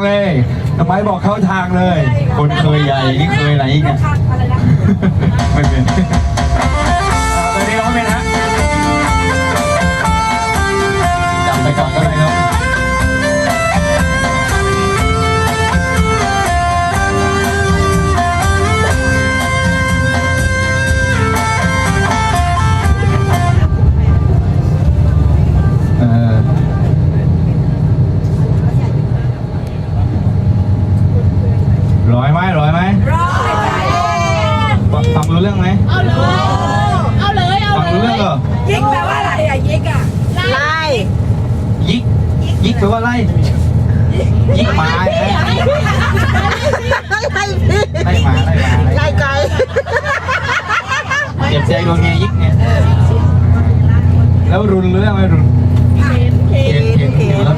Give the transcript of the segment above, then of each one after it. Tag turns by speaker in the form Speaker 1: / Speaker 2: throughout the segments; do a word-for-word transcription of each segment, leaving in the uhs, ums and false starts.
Speaker 1: เลยทำไมบอกเข้าทางเลย คนเคยใหญ่นี่เคยไหนอีกเนี่ยไม่เป็นตอนนี้ร้องเป็นฮะจำไปก่อนก็ได้ครับร้อยไหมร้อยไหมร้อยฟังรู้เรื่องไหมเอาเลยเอาเลยเอาเลยฟังรู้เรื่องเหรอยิกแปลว่าอะไรอ่ะยิกอ่ะไล่ยิกยิกแปลว่าไล่ยิกหมาไงไล่หมาไล่หมาไล่ไก่เจ็บใจโดนไงยิกไงแล้วรุนรู้เรื่องไหมรุนเข็นเข็นเข็นแล้ว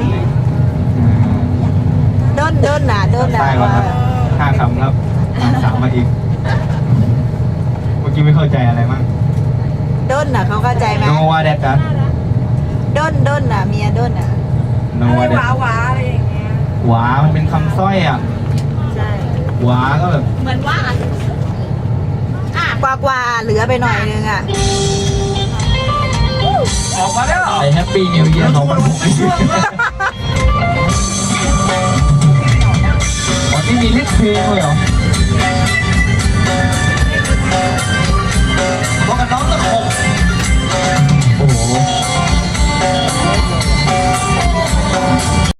Speaker 1: ด้นด้นน่ะด้นน่ะใช่ครับห้าคำครับสามมาอีกเมื่อกี้ไม่เข้าใจอะไรมั้งด้นน่ะเขาเข้าใจไหมโนวาเดกันด้นด้นน่ะเมียด้นน่ะโนวาเดหวาหวาอะไรอย่างเงี้ยหวามันเป็นคำสร้อยอ่ะใช่หวาก็แบบเหมือนว่าอ่ะกว่ากว่าเหลือไปหน่อยนึงอ่ะออกมาแล้วไอ้แฮปปี้นิวเยียร์ของมันวันนี้มีเล็กเพลงเลยเหรอบอกกับน้องตะโขบโอ้โห